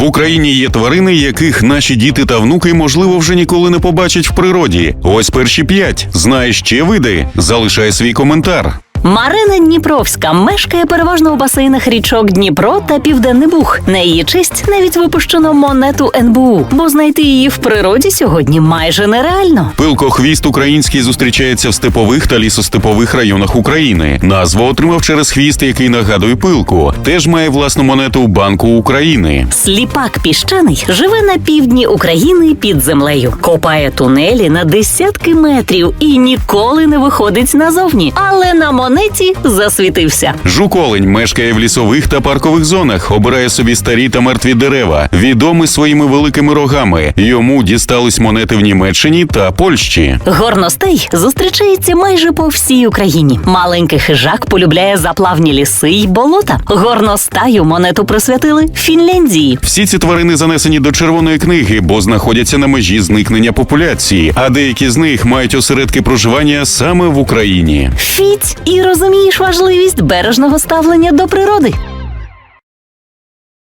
В Україні є тварини, яких наші діти та внуки, можливо, вже ніколи не побачать в природі. Ось перші 5. Знаєш ще види? Залишай свій коментар. Марина Дніпровська мешкає переважно у басейнах річок Дніпро та Південний Буг. На її честь навіть випущено монету НБУ, бо знайти її в природі сьогодні майже нереально. Пилкохвіст український зустрічається в степових та лісостепових районах України. Назву отримав через хвіст, який нагадує пилку. Теж має власну монету Банку України. Сліпак піщаний живе на півдні України під землею. Копає тунелі на десятки метрів і ніколи не виходить назовні. Але на монеті засвітився. Жук-олень мешкає в лісових та паркових зонах, обирає собі старі та мертві дерева, відомий своїми великими рогами. Йому дістались монети в Німеччині та Польщі. Горностай зустрічається майже по всій Україні. Маленький хижак полюбляє заплавні ліси й болота. Горностаю монету присвятили Фінляндії. Всі ці тварини занесені до Червоної книги, бо знаходяться на межі зникнення популяції, а деякі з них мають осередки проживання саме в Україні. Фіть і розумієш важливість бережного ставлення до природи.